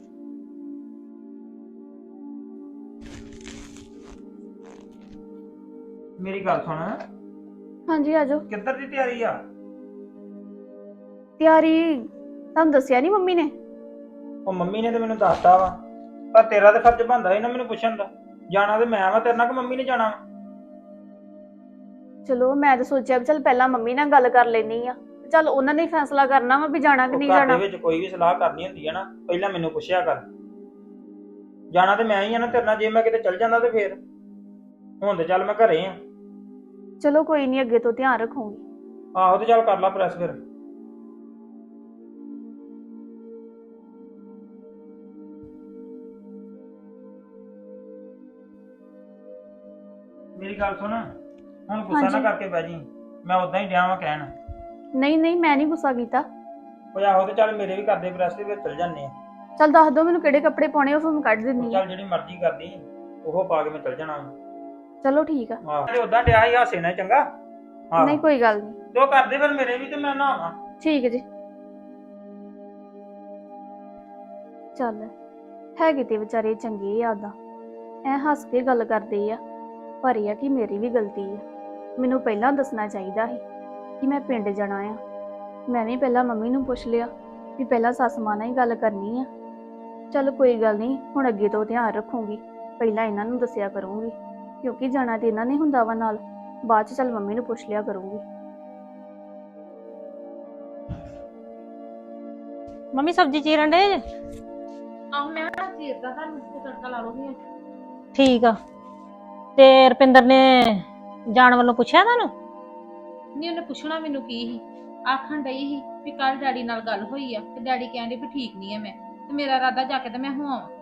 ਮੇਰੀ ਗੱਲ ਸੁਣ, ਹਾਂਜੀ ਆਜੋ। ਕਿੱਧਰ ਦੀ ਤਿਆਰੀ ਆ? ਤਿਆਰੀ ਤੁਹਾਨੂੰ ਦੱਸਿਆ ਨਹੀਂ ਮੰਮੀ ਨੇ? ਉਹ ਮੰਮੀ ਨੇ ਤੇ ਮੈਨੂੰ ਦੱਸਤਾ ਵਾ, ਪਰ ਤੇਰਾ ਤਾਂ ਫਰਜ਼ ਬਣਦਾ ਸੀ ਨਾ ਮੈਨੂੰ ਪੁੱਛਣ ਦਾ। ਜਾਣਾ ਤੇ ਮੈਂ ਵਾ ਤੇਰੇ ਨਾਲ, ਕਿ ਮੰਮੀ ਨੇ ਜਾਣਾ ਵਾ? ਚਲੋ ਮੈਂ ਤਾਂ ਸੋਚਿਆ ਵੀ ਚੱਲ ਪਹਿਲਾਂ ਮੰਮੀ ਨਾਲ ਗੱਲ ਕਰ ਲੈਣੀ ਆ, ਚੱਲ ਉਹਨਾਂ ਨੇ ਹੀ ਫੈਸਲਾ ਕਰਨਾ ਵਾ ਵੀ ਜਾਣਾ ਕਿ ਨਹੀਂ ਘਰ ਜਾਣਾ। ਦੇ ਵਿੱਚ ਕੋਈ ਵੀ ਸਲਾਹ ਕਰਨੀ ਹੁੰਦੀ ਹੈ ਨਾ, ਪਹਿਲਾਂ ਮੈਨੂੰ ਪੁੱਛਿਆ ਕਰ। ਜਾਣਾ ਤੇ ਮੈਂ ਹੀ ਆ ਨਾ ਤੇਰੇ ਨਾਲ, ਜੇ ਮੈਂ ਕਿਤੇ ਚੱਲ ਜਾਂਦਾ ਤੇ ਫੇਰ। ਹੁਣ ਤੇ ਚੱਲ ਮੈਂ ਘਰੇ ਆ। ਚਲੋ ਕੋਈ ਨਹੀਂ, ਅੱਗੇ ਤੋਂ ਧਿਆਨ ਰੱਖੂਗੀ। ਆਹੋ ਤੇ ਚੱਲ ਕਰ ਲਾ ਪ੍ਰੈਸ ਫਿਰ। ਮੇਰੀ ਗੱਲ ਸੁਣ, ਹੁਣ ਗੁੱਸਾ ਨਾ ਹਾਂਜੀ। ਕਰਕੇ ਬਹਿ ਜੀ, ਮੈਂ ਉਦਾਂ ਹੀ ਡਿਆ ਵਾਂ ਕਹਿਣ। ਨਹੀਂ ਨਹੀਂ, ਮੈਂ ਨਹੀਂ ਗੁੱਸਾ ਕੀਤਾ। ਉਹ ਆਹੋ ਤੇ ਚੱਲ ਮੇਰੇ ਵੀ ਕਰਦੇ ਪ੍ਰੈਸ ਤੇ ਫਿਰ ਚੱਲ ਜਾਂਦੇ ਆ। ਚੱਲ ਦੱਸ ਦਿਓ ਮੈਨੂੰ ਕਿਹੜੇ ਕੱਪੜੇ ਪਾਉਣੇ, ਉਹ ਫਿਰ ਮੈਂ ਕੱਢ ਦਿੰਨੀ ਆ। ਚੱਲ ਜਿਹੜੀ ਮਰਜ਼ੀ ਕਰਦੀ ਉਹ ਪਾ ਕੇ ਮੈਂ ਚੱਲ ਜਾਣਾ ਵਾ। ਚਲੋ ਠੀਕ ਆ। ਆਹੋ ਤੇ ਉਦਾਂ ਡਿਆ ਹੀ ਹਾਸੇ ਨਾਲ, ਚੰਗਾ? ਆਹੋ ਨਹੀਂ ਕੋਈ ਗੱਲ ਨਹੀਂ। ਤੇ ਉਹ ਕਰਦੇ ਫਿਰ ਮੇਰੇ ਵੀ, ਤੇ ਮੈਂ ਨਹਾਵਾਂ। ਠੀਕ ਹੈ ਜੀ। ਚੱਲ ਹੈਗੇ ਤੇ ਵਿਚਾਰੇ ਚੰਗੇ ਆ, ਉਦਾਂ ਐ ਹੱਸ ਕੇ ਗੱਲ ਕਰਦੇ ਆ, ਪਰ ਇਹ ਆ ਕਿ ਮੇਰੀ ਵੀ ਗਲਤੀ ਆ। ਮੈਨੂੰ ਪਹਿਲਾਂ ਦੱਸਣਾ ਚਾਹੀਦਾ ਸੀ ਕਿ ਮੈਂ ਪਿੰਡ ਜਾਣਾ ਆ। ਮੈਂ ਵੀ ਪਹਿਲਾਂ ਮੰਮੀ ਨੂੰ ਪੁੱਛ ਲਿਆ ਵੀ ਪਹਿਲਾਂ ਸੱਸ ਮਾਂ ਨਾਲ ਹੀ ਗੱਲ ਕਰਨੀ ਆ। ਚੱਲ ਕੋਈ ਗੱਲ ਨਹੀਂ, ਹੁਣ ਅੱਗੇ ਤੋਂ ਧਿਆਨ ਰੱਖੂੰਗੀ। ਪਹਿਲਾਂ ਇਹਨਾਂ ਨੂੰ ਦੱਸਿਆ ਕਰੂੰਗੀ, ਕਿਉਂਕਿ ਜਾਣਾ ਤੇ ਇਹਨਾਂ ਨੇ ਹੁੰਦਾ ਵਾ ਨਾਲ। ਬਾਅਦ ਚ ਚੱਲ ਮੰਮੀ ਨੂੰ ਪੁੱਛ ਲਿਆ ਕਰੂੰਗੀ। ਮੰਮੀ ਸਬਜ਼ੀ ਚੀਰਨ ਡੇ ਜੇ? ਆਹ ਮੈਂ ਚੀਰਦਾ ਤੁਹਾਨੂੰ ਤੇ ਤੜਕਾ ਲਾ ਲਓਗੀ। ਠੀਕ ਆ। ਤੇ ਰੁਪਿੰਦਰ ਨੇ ਜਾਣ ਵੱਲੋਂ ਪੁੱਛਿਆ ਤੁਹਾਨੂੰ? ਨਹੀਂ, ਉਹਨੇ ਪੁੱਛਣਾ ਮੈਨੂੰ ਕੀ ਸੀ। ਆਖਣ ਡਈ ਸੀ ਵੀ ਕੱਲ ਡੈਡੀ ਨਾਲ ਗੱਲ ਹੋਈ ਆ ਤੇ ਡੈਡੀ ਕਹਿੰਦੇ ਵੀ ਠੀਕ ਨਹੀਂ ਆ ਮੈਂ, ਤੇ ਮੇਰਾ ਇਰਾਦਾ ਜਾ ਕੇ ਤੇ ਮੈਂ ਹੋ ਆਵਾਂ।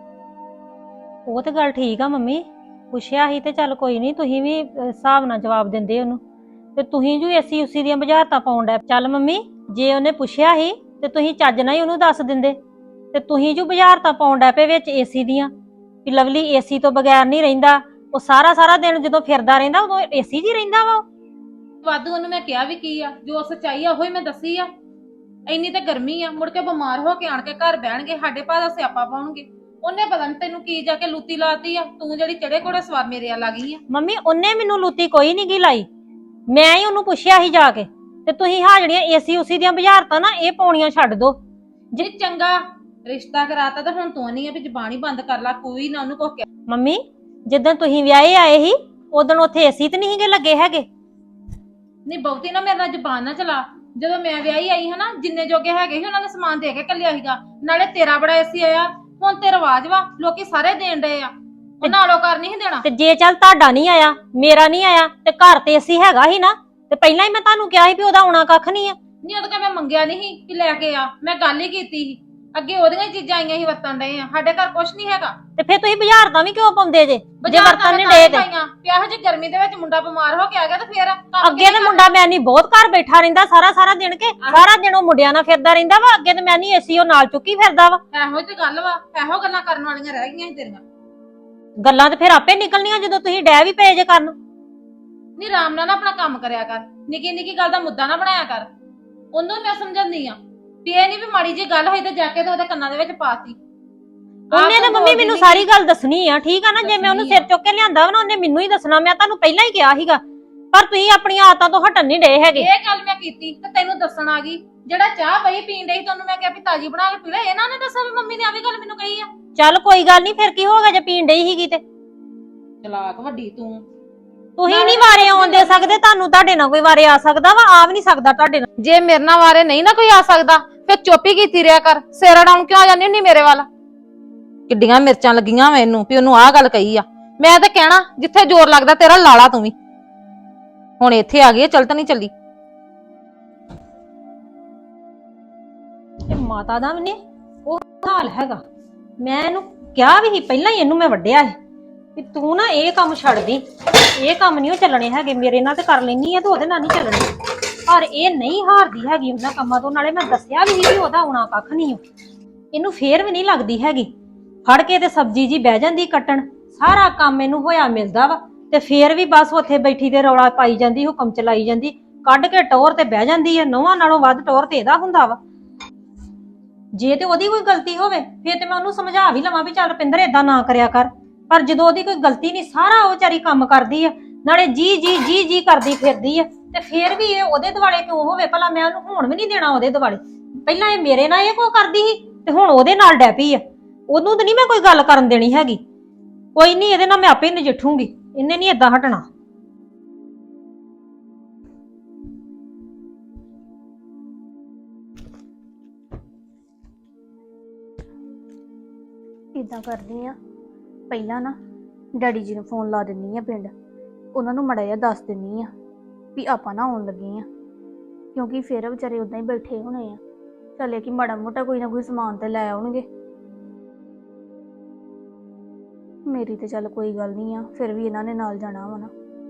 ਉਹ ਤੇ ਗੱਲ ਠੀਕ ਆ ਮੰਮੀ, ਪੁੱਛਿਆ ਸੀ ਤੇ ਚੱਲ ਕੋਈ ਨਹੀਂ, ਤੁਸੀਂ ਵੀ ਹਿਸਾਬ ਨਾਲ ਜਵਾਬ ਦਿੰਦੇ ਉਹਨੂੰ। ਤੇ ਤੁਸੀਂ ਜੋ ਏਸੀ ਉਸੀ ਦੀਆਂ ਬੁਝਾਰਤਾਂ ਪਾਉਣ ਡੈ। ਚੱਲ ਮੰਮੀ, ਜੇ ਉਹਨੇ ਪੁੱਛਿਆ ਸੀ ਤੇ ਤੁਸੀਂ ਚੱਜ ਨਾਲ ਹੀ ਉਹਨੂੰ ਦੱਸ ਦਿੰਦੇ। ਤੇ ਤੁਸੀਂ ਜੋ ਬੁਝਾਰਤਾਂ ਪਾਉਣ ਡੈ ਪਏ ਵਿੱਚ ਏਸੀ ਦੀਆਂ, ਵੀ ਲਵਲੀ ਏਸੀ ਤੋਂ ਬਗੈਰ ਨਹੀਂ ਰਹਿੰਦਾ। ਉਹ ਸਾਰਾ ਦਿਨ ਜਦੋਂ ਫਿਰਦਾ ਰਹਿੰਦਾ ਉਦੋਂ ਏਸੀ 'ਚ ਹੀ ਰਹਿੰਦਾ ਵਾ। ਵਾਧੂ ਉਹਨੂੰ ਮੈਂ ਕਿਹਾ ਵੀ ਕੀ ਆ, ਜੋ ਸੱਚਾਈ ਆ ਉਹੀ ਮੈਂ ਦੱਸੀ ਆ। ਇੰਨੀ ਤਾਂ ਗਰਮੀ ਆ, ਮੁੜ ਕੇ ਬਿਮਾਰ ਹੋ ਕੇ ਆਣ ਕੇ ਘਰ ਬਹਿਣਗੇ, ਸਾਡੇ ਭਾ ਦਾ ਸਿਆਪਾ ਪਾਉਣਗੇ। ਉਹਨੇ ਪਤਾ ਨੀ ਤੈਨੂੰ ਕੀ ਜਾ ਕੇ ਲੂਤੀ ਲਾਤੀ ਆ, ਤੂੰ ਜਿਹੜੀ ਚੜੇ ਕੋੜੇ ਸਵਾਰ ਮੇਰੇ ਆ ਲੱਗੀ ਆ। ਮੰਮੀ ਉਹਨੇ ਮੈਨੂੰ ਲੂਤੀ ਕੋਈ ਨਹੀਂ ਗੀ ਲਾਈ, ਮੈਂ ਹੀ ਉਹਨੂੰ ਪੁੱਛਿਆ ਸੀ ਜਾ ਕੇ। ਤੇ ਤੁਸੀਂ ਹਾਂ ਜਿਹੜੀਆਂ ਏਸੀ ਉਸੀ ਦੀਆਂ ਬੁਝਾਰਤਾਂ ਨਾ ਇਹ ਪਾਉਣੀਆਂ ਛੱਡ ਦੋ। ਜੇ ਚੰਗਾ ਰਿਸ਼ਤਾ ਕਰਾਤਾ ਤਾਂ ਹੁਣ ਤੂੰ ਨਹੀਂ ਆ ਵੀ ਜ਼ਬਾਨ ਹੀ ਬੰਦ ਕਰ ਲਾ, ਕੋਈ ਨਾ ਉਹਨੂੰ ਕੁਛ ਕਹਿ। ਮੰਮੀ ਜਿੱਦਣ ਤੁਸੀਂ ਵਿਆਹੇ ਆਏ ਸੀ ਉਦੋਂ ਉੱਥੇ ਏਸੀ ਤੇ ਨਹੀਂ ਗੇ ਲੱਗੇ ਹੈਗੇ। ਨਹੀਂ ਬਹੁਤੀ ਨਾ ਮੇਰੇ ਨਾਲ ਜ਼ਬਾਨ ਨਾ ਚਲਾ। ਜਦੋਂ ਮੈਂ ਵਿਆਹੀ ਆਈ ਹਾਂ ਨਾ, ਜਿੰਨੇ ਜੋਗੇ ਹੈਗੇ ਸੀ ਉਹਨਾਂ ਨੇ ਸਮਾਨ ਦੇ ਕੇ ਕੱਲਿਆ ਸੀਗਾ। ਨਾਲੇ ਤੇਰਾ ਬੜਾ ਏਸੀ ਆਇਆ, ਹੁਣ ਤੇ ਰਿਵਾਜ ਵਾ, ਲੋਕੀ ਸਾਰੇ ਦੇਣ ਡਏ ਆ। ਉਹ ਨਾਲੋਂ ਕਰ ਨਹੀਂ ਦੇਣਾ। ਤੇ ਜੇ ਚੱਲ ਤੁਹਾਡਾ ਨਹੀਂ ਆਇਆ, ਮੇਰਾ ਨਹੀਂ ਆਇਆ, ਤੇ ਘਰ ਤੇ ਏਸੀ ਹੈਗਾ ਹੀ ਨਾ। ਤੇ ਪਹਿਲਾਂ ਹੀ ਮੈਂ ਤੁਹਾਨੂੰ ਕਿਹਾ ਸੀ ਵੀ ਉਹਦਾ ਆਉਣਾ ਕੱਖ ਨਹੀਂ ਆ। ਨਹੀਂ ਉਹਦਾ ਮੈਂ ਮੰਗਿਆ ਨਹੀਂ ਸੀ ਕਿ ਲੈ ਕੇ ਆ, ਮੈਂ ਗੱਲ ਹੀ ਕੀਤੀ ਸੀ। ਅੱਗੇ ਉਹਦੀਆਂ ਹੀ ਚੀਜ਼ਾਂ ਆਈਆਂ ਸੀ ਵਰਤਣ ਡਏ ਆ, ਸਾਡੇ ਘਰ ਕੁਛ ਨਹੀਂ ਹੈਗਾ। ਤੇ ਫਿਰ ਤੁਸੀਂ ਬੁਝਾਰਤਾਂ ਵੀ ਕਿਉਂ ਪਾਉਂਦੇ ਜੇ ਵਰਤਨ ਨਹੀਂ ਡੇ ਡੇ ਤੇ? ਪਿਆਹ ਜੀ ਗਰਮੀ ਦੇ ਵਿੱਚ ਮੁੰਡਾ ਬਿਮਾਰ ਹੋ ਕੇ ਆ ਗਿਆ ਤੇ ਫੇਰ ਅੱਗੇ ਤੇ ਮੁੰਡਾ ਮੈਂ ਨਹੀਂ ਬਹੁਤ ਘਰ ਬੈਠਾ ਰਹਿੰਦਾ ਸਾਰਾ ਦਿਨ ਕੇ ਸਾਰਾ ਦਿਨ ਉਹ ਮੁੰਡਿਆਂ ਨਾਲ ਫਿਰਦਾ ਰਹਿੰਦਾ ਵਾ। ਅੱਗੇ ਤੇ ਮੈਂ ਨਹੀਂ ਏਸੀ ਉਹ ਨਾਲ ਚੁੱਕੀ ਫਿਰਦਾ ਵਾ। ਇਹੋ ਤੇ ਗੱਲ ਵਾ, ਇਹੋ ਗੱਲਾਂ ਕਰਨ ਵਾਲੀਆਂ ਰਹਿ ਗਈਆਂ ਸੀ ਤੇਰੀਆਂ। ਗੱਲਾਂ ਤੇ ਫਿਰ ਆਪੇ ਨਿਕਲਣੀਆਂ ਜਦੋਂ ਤੁਸੀਂ ਡੈ ਵੀ ਪਏ ਜੇ ਕਰਨ। ਨਹੀਂ ਆਰਾਮ ਨਾਲ ਨਾ ਆਪਣਾ ਕੰਮ ਕਰਿਆ ਕਰ, ਨਿੱਕੀ ਨਿੱਕੀ ਗੱਲ ਦਾ ਮੁੱਦਾ ਨਾ ਬਣਾਇਆ ਕਰ। ਉਹਨੂੰ ਮੈਂ ਸਮਝਾਉਂਦੀ ਆ ਵੀ ਇਹ ਨਹੀਂ ਵੀ ਮਾੜੀ ਜੀ ਗੱਲ ਹੋਈ ਤੇ ਜਾ ਕੇ ਤੇ ਉਹਦੇ ਕੰਨਾਂ ਦੇ ਵਿੱਚ ਪਾਤੀ। ਉਹਨੇ ਤਾਂ ਮੰਮੀ ਮੈਨੂੰ ਸਾਰੀ ਗੱਲ ਦੱਸਣੀ ਆ, ਠੀਕ ਆ ਨਾ? ਜੇ ਮੈਂ ਉਹਨੂੰ ਸਿਰ ਚੁੱਕ ਕੇ ਲਿਆਂਦਾ ਵਾ ਨਾ, ਉਹਨੇ ਮੈਨੂੰ ਹੀ ਦੱਸਣਾ। ਮੈਂ ਤੁਹਾਨੂੰ ਪਹਿਲਾਂ ਹੀ ਕਿਹਾ ਸੀਗਾ, ਪਰ ਤੁਸੀਂ ਆਪਣੀਆਂ ਆਦਤਾਂ ਤੋਂ ਹਟਣ ਨਹੀਂ ਡੇ ਹੈਗੇ। ਇਹ ਗੱਲ ਮੈਂ ਕੀਤੀ ਤੇ ਤੈਨੂੰ ਦੱਸਣ ਆ ਗਈ। ਜਿਹੜਾ ਚਾਹ ਬਈ ਪੀਣ ਡਈ ਤੁਹਾਨੂੰ ਮੈਂ ਕਿਹਾ ਵੀ ਤਾਜੀ ਬਣਾ ਕੇ ਪੀ ਲੈ, ਇਹਨਾਂ ਨੇ ਦੱਸਿਆ ਵੀ ਮੰਮੀ ਨੇ ਆ ਵੀ ਗੱਲ ਮੈਨੂੰ ਕਹੀ ਆ। ਚੱਲ ਕੋਈ ਗੱਲ ਨਹੀਂ, ਫਿਰ ਕੀ ਹੋ ਗਿਆ ਜੇ ਪੀਣ ਡਈ ਸੀਗੀ ਤੇ? ਚਲਾਕ ਵੱਡੀ ਤੂੰ। ਤੁਸੀਂ ਨਹੀਂ ਵਾਰੇ ਆਉਣ ਦੇ ਸਕਦੇ, ਤੁਹਾਨੂੰ ਤੁਹਾਡੇ ਨਾਲ ਕੋਈ ਵਾਰੇ ਆ ਸਕਦਾ ਵਾ? ਆ ਵੀ ਨਹੀਂ ਸਕਦਾ ਤੁਹਾਡੇ ਨਾਲ। ਜੇ ਮੇਰੇ ਨਾਲ ਵਾਰੇ ਨਹੀਂ ਨਾ ਕੋਈ ਆ ਸਕਦਾ ਫਿਰ ਚੁੱਪ ਹੀ ਕੀਤੀ ਰਿਹਾ ਕਰ। ਸਿਰ ਅਡਾਉਣ ਕਿਉਂ ਆ ਜਾਂਦੀ ਹੁੰਦੀ ਮੇਰੇ ਵੱਲ? ਕਿੱਡੀਆਂ ਮਿਰਚਾਂ ਲੱਗੀਆਂ ਮੈਨੂੰ ਵੀ ਉਹਨੂੰ ਆਹ ਗੱਲ ਕਹੀ ਆ। ਮੈਂ ਤਾਂ ਕਹਿਣਾ ਜਿੱਥੇ ਜ਼ੋਰ ਲੱਗਦਾ ਤੇਰਾ ਲਾਲਾ ਤੂੰ ਵੀ। ਹੁਣ ਇੱਥੇ ਆ ਗਈ, ਚੱਲ ਤਾਂ ਨਹੀਂ ਚੱਲੀ। ਤੇ ਮਾਤਾ ਦਾ ਵੀ ਨੇ ਉਹ ਹਾਲ ਹੈਗਾ। ਮੈਂ ਇਹਨੂੰ ਕਿਹਾ ਵੀ ਸੀ ਪਹਿਲਾਂ ਹੀ, ਇਹਨੂੰ ਮੈਂ ਵੱਢਿਆ ਸੀ ਵੀ ਤੂੰ ਨਾ ਇਹ ਕੰਮ ਛੱਡ ਦੀ, ਇਹ ਕੰਮ ਨਹੀਂ ਉਹ ਚੱਲਣੇ ਹੈਗੇ। ਮੇਰੇ ਨਾਲ ਤੇ ਕਰ ਲੈਣੀ ਆ ਤੇ ਉਹਦੇ ਨਾਲ ਨਹੀਂ ਚੱਲਣੇ। ਪਰ ਇਹ ਨਹੀਂ ਹਾਰਦੀ ਹੈਗੀ ਉਹਨਾਂ ਕੰਮਾਂ ਤੋਂ। ਨਾਲੇ ਮੈਂ ਦੱਸਿਆ ਵੀ ਸੀ ਵੀ ਉਹਦਾ ਆਉਣਾ ਕੱਖ ਨਹੀਂ। ਇਹਨੂੰ ਫੇਰ ਵੀ ਨਹੀਂ ਲੱਗਦੀ ਹੈਗੀ। ਫੜ ਕੇ ਤੇ ਸਬਜ਼ੀ ਜੀ ਬਹਿ ਜਾਂਦੀ ਕੱਟਣ, ਸਾਰਾ ਕੰਮ ਇਹਨੂੰ ਹੋਇਆ ਮਿਲਦਾ ਵਾ, ਤੇ ਫੇਰ ਵੀ ਬਸ ਉੱਥੇ ਬੈਠੀ ਤੇ ਰੌਲਾ ਪਾਈ ਜਾਂਦੀ, ਹੁਕਮ ਚਲਾਈ ਜਾਂਦੀ। ਕੱਢ ਕੇ ਟੌਰ ਤੇ ਬਹਿ ਜਾਂਦੀ ਆ। ਨੌਵਾਂ ਨਾਲੋਂ ਵੱਧ ਟੌਰ ਤੇ ਇਹਦਾ ਹੁੰਦਾ ਵਾ। ਜੇ ਤੇ ਉਹਦੀ ਕੋਈ ਗਲਤੀ ਹੋਵੇ ਫੇਰ ਤੇ ਮੈਂ ਉਹਨੂੰ ਸਮਝਾ ਵੀ ਲਵਾਂ ਵੀ ਚੱਲ ਰੁਪਿੰਦਰ ਏਦਾਂ ਨਾ ਕਰਿਆ ਕਰ। ਪਰ ਜਦੋਂ ਉਹਦੀ ਕੋਈ ਗਲਤੀ ਨਹੀਂ, ਸਾਰਾ ਉਹ ਵਿਚਾਰੀ ਕੰਮ ਕਰਦੀ ਆ, ਨਾਲੇ ਜੀ ਜੀ ਜੀ ਜੀ ਕਰਦੀ ਫਿਰਦੀ ਆ, ਤੇ ਫੇਰ ਵੀ ਇਹ ਉਹਦੇ ਦੁਆਲੇ ਕਿਉਂ ਹੋਵੇ ਭਲਾ? ਮੈਂ ਉਹਨੂੰ ਹੋਣ ਵੀ ਨਹੀਂ ਦੇਣਾ ਉਹਦੇ ਦੁਆਲੇ। ਪਹਿਲਾਂ ਇਹ ਮੇਰੇ ਨਾਲ ਇਹ ਕੋ ਕਰਦੀ ਸੀ ਤੇ ਹੁਣ ਉਹਦੇ ਨਾਲ ਡੈ ਪਈ ਆ। ਉਹਨੂੰ ਤਾਂ ਨਹੀਂ ਮੈਂ ਕੋਈ ਗੱਲ ਕਰਨ ਦੇਣੀ ਹੈਗੀ। ਕੋਈ ਨਹੀਂ, ਇਹਦੇ ਨਾਲ ਮੈਂ ਆਪੇ ਨਜਿੱਠੂਗੀ, ਇਹਨੇ ਨਹੀਂ ਏਦਾਂ ਹਟਣਾ। ਇਦਾਂ ਕਰਦੀ ਆ, ਪਹਿਲਾਂ ਨਾ ਡੈਡੀ ਜੀ ਨੂੰ ਫੋਨ ਲਾ ਦਿੰਨੀ ਆ ਪਿੰਡ, ਉਹਨਾਂ ਨੂੰ ਮੜਾ ਜਿਹਾ ਦੱਸ ਦਿੰਨੀ ਆ ਵੀ ਆਪਾਂ ਨਾ ਆਉਣ ਲੱਗੇ ਆ, ਕਿਉਂਕਿ ਫਿਰ ਵਿਚਾਰੇ ਉਦਾਂ ਹੀ ਬੈਠੇ ਹੋਣੇ ਆ। ਚੱਲੇ ਕਿ ਮਾੜਾ ਮੋਟਾ ਕੋਈ ਨਾ ਕੋਈ ਸਮਾਨ ਤੇ ਲੈ ਆਉਣਗੇ। ਮੇਰੀ ਤੇ ਚੱਲ ਕੋਈ ਗੱਲ ਨਹੀਂ ਆ, ਫਿਰ ਵੀ ਇਹਨਾਂ ਨੇ ਨਾਲ ਜਾਣਾ ਵਾ ਨਾ।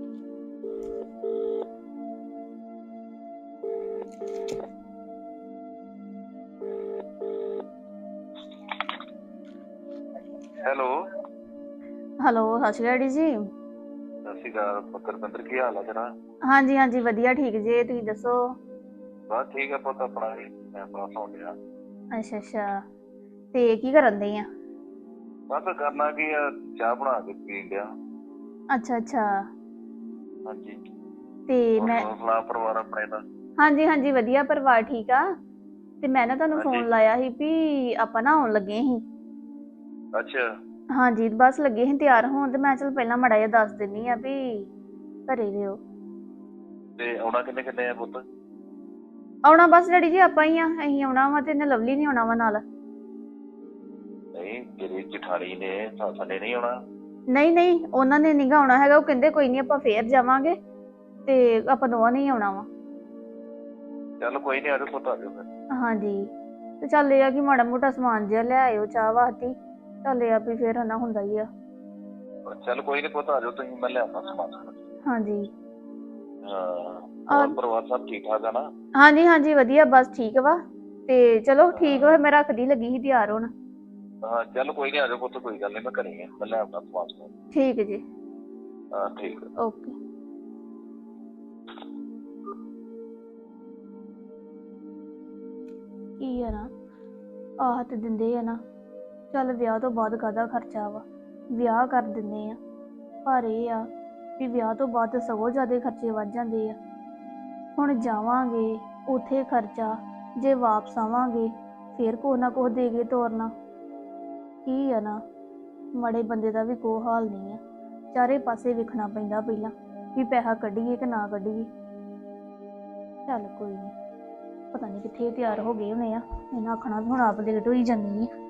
ਹੈਲੋ, ਹੈਲੋ, ਸਤਿ ਸ਼੍ਰੀ ਅਕਾਲ ਡੈਡੀ ਜੀ। ਸਤਿ ਸ਼੍ਰੀ ਅਕਾਲ ਪੁੱਤਰ ਪਿੰਦਰ, ਕੀ ਹਾਲ ਆ ਤੇਰਾ? ਹਾਂਜੀ ਹਾਂਜੀ ਵਧੀਆ, ਠੀਕ ਜੇ, ਤੁਸੀਂ ਦੱਸੋ? ਬਸ ਠੀਕ ਆ ਪੁੱਤ, ਆਪਣਾ ਵੀ ਮੈਂ ਪਾਸ ਹੋ ਗਿਆ। ਅੱਛਾ ਅੱਛਾ, ਤੇ ਕੀ ਕਰਨ ਦੇ ਆ? ਬਸ ਕਰਨਾ ਕੀ ਆ, ਚਾਹ ਬਣਾ ਕੇ ਪੀਣ ਡਿਆ। ਅੱਛਾ ਅੱਛਾ, ਹਾਂਜੀ, ਤੇ ਹੋਰ ਮੈਂ ਸੁਣਾ ਪਰਿਵਾਰ ਆਪਣੇ ਦਾ? ਹਾਂਜੀ ਹਾਂਜੀ ਵਧੀਆ, ਪਰਿਵਾਰ ਠੀਕ ਆ। ਤੇ ਮੈਂ ਨਾ ਤੁਹਾਨੂੰ ਫੋਨ ਹਾਂਜੀ। ਲਾਇਆ ਸੀ ਵੀ ਆਪਾਂ ਨਾ ਆਉਣ ਲੱਗੇ ਸੀ। ਅੱਛਾ, ਹਾਂਜੀ, ਬਸ ਲੱਗੇ ਸੀ ਤਿਆਰ ਹੋਣ, ਤੇ ਮੈਂ ਚਲ ਪਹਿਲਾਂ ਮਾੜਾ ਜਿਹਾ ਦੱਸ ਦਿੰਨੀ ਆ ਵੀ ਘਰੇ ਰਿਓ। ਤੇ ਆਉਣਾ ਕਿੰਨੇ ਕਿੰਨੇ ਆ ਪੁੱਤ? ਆਉਣਾ ਬਸ ਡੈਡੀ ਜੀ ਆਪਾਂ ਹੀ ਆ, ਅਸੀਂ ਆਉਣਾ ਵਾ, ਤੇ ਇਹਨੇ ਲਵਲੀ ਨਹੀਂ ਆਉਣਾ ਵਾ ਨਾਲ। ਨਹੀਂ, ਤੇਰੀ ਜਠਾਣੀ ਨੇ ਸਾਡੇ ਨਹੀਂ ਆਉਣਾ? ਨਹੀਂ ਨਹੀਂ, ਉਹਨਾਂ ਨੇ ਨੀਗਾ ਆਉਣਾ ਹੈਗਾ, ਉਹ ਕਹਿੰਦੇ ਕੋਈ ਨਹੀਂ ਆਪਾਂ ਫੇਰ ਜਾਵਾਂਗੇ, ਤੇ ਆਪਾਂ ਦੋਵਾਂ ਨੇ ਹੀ ਆਉਣਾ ਵਾ। ਚੱਲ ਕੋਈ ਨਹੀਂ, ਆਜੋ ਪੁੱਤ, ਆਜੋ ਫਿਰ। ਹਾਂਜੀ, ਤੇ ਚੱਲ ਇਹ ਆ ਕਿ ਮਾੜਾ ਮੋਟਾ ਸਮਾਨ ਜਿਹਾ ਲੈ ਆਇਓ ਚਾਹ ਵਾਸਤੇ, ਚੱਲ ਇਹ ਆ ਵੀ ਫੇਰ ਹਨਾ ਹੁੰਦਾ ਹੀ ਆ। ਚੱਲ ਕੋਈ ਨਹੀਂ ਪੁੱਤ, ਆਜੋ ਤੁਸੀਂ, ਮੈਂ ਲਿਆਉਣਾ ਸਮਾਨ। ਹਾਂਜੀ ਹਾਂ, ਹੋਰ ਪਰਿਵਾਰ ਸਭ ਠੀਕ ਠਾਕ ਆ ਨਾ? ਹਾਂਜੀ ਹਾਂਜੀ ਵਧੀਆ, ਬਸ ਠੀਕ ਵਾ। ਤੇ ਚਲੋ ਠੀਕ ਵਾ, ਮੈਂ ਰੱਖਦੀ, ਲੱਗੀ ਸੀ ਤਿਆਰ ਹੋਣ। ਹਾਂ ਚੱਲ ਕੋਈ ਨਹੀਂ, ਆਜੋ ਪੁੱਤ, ਕੋਈ ਗੱਲ ਨਹੀਂ, ਮੈਂ ਘਰੇ ਆ, ਮੈਂ ਲਿਆਉਣਾ ਸਮਾਨ। ਠੀਕ ਜੀ, ਹਾਂ ਠੀਕ ਹੈ। ਓਕੇ। ਕੀ ਆ ਨਾ, ਆਹ ਤੇ ਦਿੰਦੇ ਆ ਨਾ, ਚੱਲ ਵਿਆਹ ਤੋਂ ਬਾਅਦ ਕਾਹਦਾ ਖਰਚਾ ਵਾ, ਵਿਆਹ ਕਰ ਦਿੰਦੇ ਆ, ਪਰ ਇਹ ਆ ਵੀ ਵਿਆਹ ਤੋਂ ਬਾਅਦ ਸਗੋਂ ਜ਼ਿਆਦਾ ਖਰਚੇ ਵੱਧ ਜਾਂਦੇ ਆ। ਹੁਣ ਜਾਵਾਂਗੇ ਉੱਥੇ ਖਰਚਾ, ਜੇ ਵਾਪਸ ਆਵਾਂਗੇ ਫੇਰ ਕੁਛ ਨਾ ਕੁਛ ਦੇ ਕੇ ਤੋਰਨਾ। ਕੀ ਆ ਨਾ, ਮਾੜੇ ਬੰਦੇ ਦਾ ਵੀ ਕੋਈ ਹਾਲ ਨਹੀਂ ਆ, ਚਾਰੇ ਪਾਸੇ ਵੇਖਣਾ ਪੈਂਦਾ ਪਹਿਲਾਂ ਵੀ ਪੈਸਾ ਕੱਢੀਏ ਕਿ ਨਾ ਕੱਢੀਏ। ਚੱਲ ਕੋਈ ਨਹੀਂ, ਪਤਾ ਨਹੀਂ ਕਿੱਥੇ ਤਿਆਰ ਹੋ ਗਏ ਹੋਣੇ ਆ, ਇਹਨਾਂ ਆਖਣਾ ਵੀ ਹੁਣ ਆਪ ਲੇਟ ਹੋਈ ਜਾਂਦੀ ਆ।